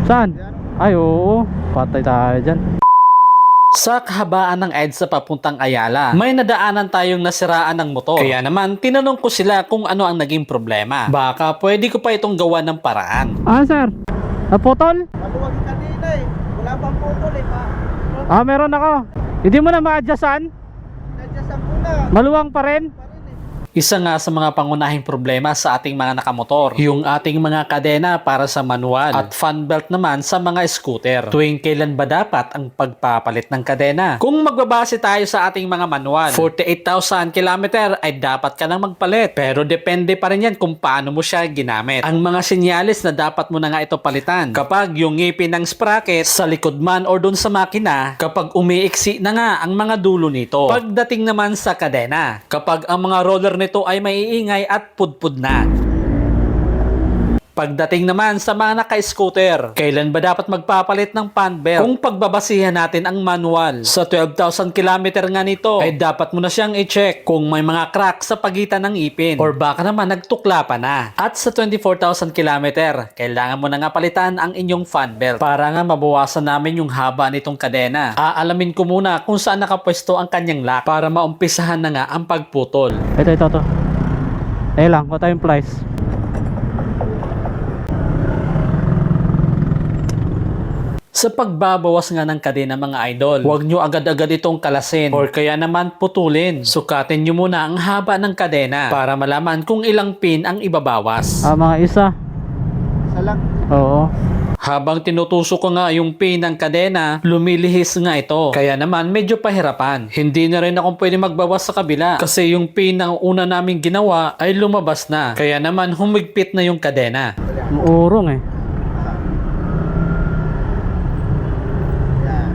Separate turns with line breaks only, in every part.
Saan? Ay, oo. Patay tayo dyan.
Sa kahabaan ng EDSA papuntang Ayala, may nadaanan tayong nasiraan ng motor. Kaya naman, tinanong ko sila kung ano ang naging problema. Baka pwede ko pa itong gawa ng paraan.
Ah, sir. Naputol?
Maluwag kanina eh. Wala pang putol eh pa.
Ah, meron ako. Hindi mo na ma-adjustan?
Nadyasan ko na.
Maluwang pa rin?
Pa rin eh.
Isa nga sa mga pangunahing problema sa ating mga nakamotor, yung ating mga kadena para sa manual at fan belt naman sa mga scooter. Tuwing kailan ba dapat ang pagpapalit ng kadena? Kung magbabase tayo sa ating mga manual, 48,000 km ay dapat ka nang magpalit. Pero depende pa rin yan kung paano mo siya ginamit. Ang mga sinyalis na dapat mo na nga ito palitan. Kapag yung ngipin ng sprocket sa likod man or dun sa makina, kapag umiiksi na nga ang mga dulo nito. Pagdating naman sa kadena, kapag ang mga roller nito ay maiingay at pudpud na. Pagdating naman sa mga naka-scooter, kailan ba dapat magpapalit ng fan belt? Kung pagbabasihan natin ang manual, sa 12,000 km nga nito, ay dapat mo na siyang i-check kung may mga crack sa pagitan ng ipin or baka naman nagtukla pa na. At sa 24,000 km, kailangan mo na nga palitan ang inyong fan belt para nga mabawasan namin yung haba nitong kadena. Aalamin ko muna kung saan nakapwesto ang kanyang lock para maumpisahan na nga ang pagputol.
Ito. Eh lang, kuha tayong plies.
Sa pagbabawas nga ng kadena mga idol, huwag nyo agad-agad itong kalasin or kaya naman putulin. Sukatin nyo muna ang haba ng kadena para malaman kung ilang pin ang ibabawas.
Ah, mga isa.
Isa lang.
Oo.
Habang tinutusok ko nga yung pin ng kadena, lumilihis nga ito. Kaya naman medyo pahirapan. Hindi na rin ako pwede magbawas sa kabila kasi yung pin na una naming ginawa ay lumabas na. Kaya naman humigpit na yung kadena.
Muurong eh.
Yan.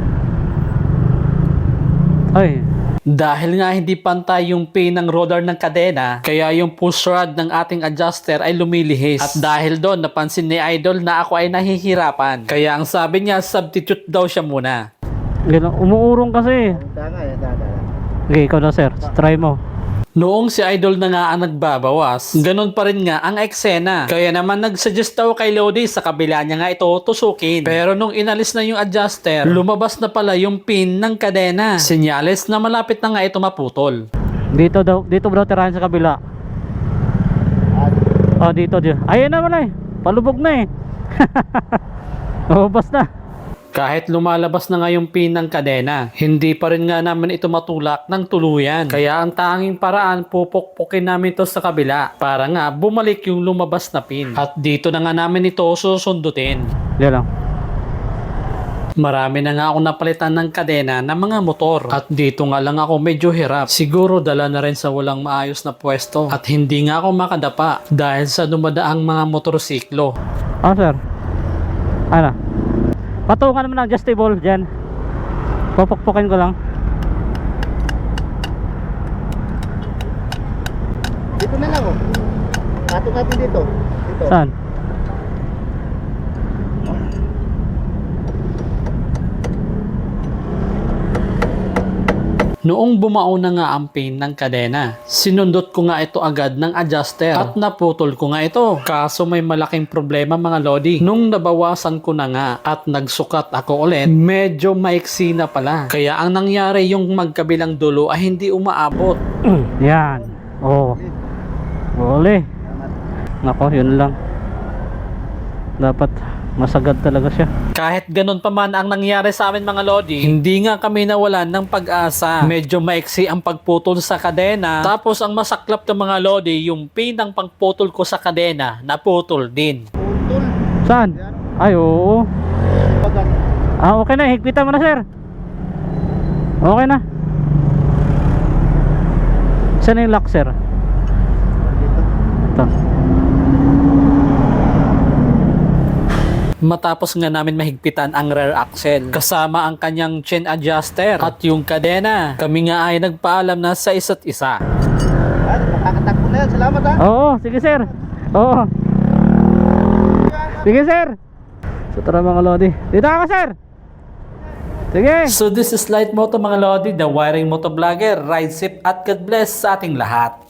Ay.
Dahil nga hindi pantay yung pin ng roller ng kadena, kaya yung push rod ng ating adjuster ay lumilihis. At dahil doon, napansin ni Idol na ako ay nahihirapan. Kaya ang sabi niya, substitute daw siya muna.
Ganun, umuurong kasi.
Tanga yan. Dada.
Okay, ikaw na sir. Try mo.
Noong si Idol na nga ang nagbabawas, ganun pa rin nga ang eksena. Kaya naman nagsuggest daw kay Lodi sa kabila niya nga ito tusukin. Pero nung inalis na yung adjuster, lumabas na pala yung pin ng kadena. Senyales na malapit na nga ito maputol.
Dito bro, tirahan sa kabila. Oh, dito. Ayun na wala eh. Palubog na eh. Lumabas na.
Kahit lumalabas na nga yung pin ng kadena, hindi pa rin nga namin ito matulak ng tuluyan. Kaya ang tanging paraan, pupukpukin namin ito sa kabila para nga bumalik yung lumabas na pin. At dito na nga namin ito susundutin.
Diyan lang.
Marami na nga ako napalitan ng kadena ng mga motor. At dito nga lang ako medyo hirap. Siguro dala na rin sa walang maayos na pwesto. At hindi nga ako makadapa dahil sa dumadaang mga motorsiklo.
Ah, sir. Ano? Patungan naman ng adjustable dyan. Pupukpukin ko lang.
Dito na lang oh. Patong natin dito. Dito.
Saan?
Noong bumao na nga ang pin ng kadena, sinundot ko nga ito agad ng adjuster at naputol ko nga ito. Kaso may malaking problema mga lodi. Nung nabawasan ko na nga at nagsukat ako ulit, medyo maiksi na pala. Kaya ang nangyari yung magkabilang dulo ay hindi umaabot.
Yan. Oo. Uli. Nako, yun lang. Dapat masagad talaga siya.
Kahit ganun pa man ang nangyari sa amin mga lodi, hindi nga kami nawalan ng pag-asa. Medyo maiksi ang pagputol sa kadena. Tapos ang masaklap ng mga lodi, yung pinang pangputol ko sa kadena, naputol din.
Putol.
Saan? Ay, oo.
Bagat.
Ah, okay na. Higpitan mo na, sir. Okay na. Saan na yung lock, sir?
Dito.
Ito.
Matapos nga namin mahigpitan ang rear axle kasama ang kanyang chain adjuster at yung kadena, kami nga ay nagpaalam na sa isa't isa.
Yan. Makakatakbo na yan. Salamat ha.
Oo, sige, sir. Oo. Sige, sir. So, tara mga lodi. Dito ako, sir. Sige.
So this is Light Moto mga lodi, the wiring motovlogger. Ride safe at God bless sa ating lahat.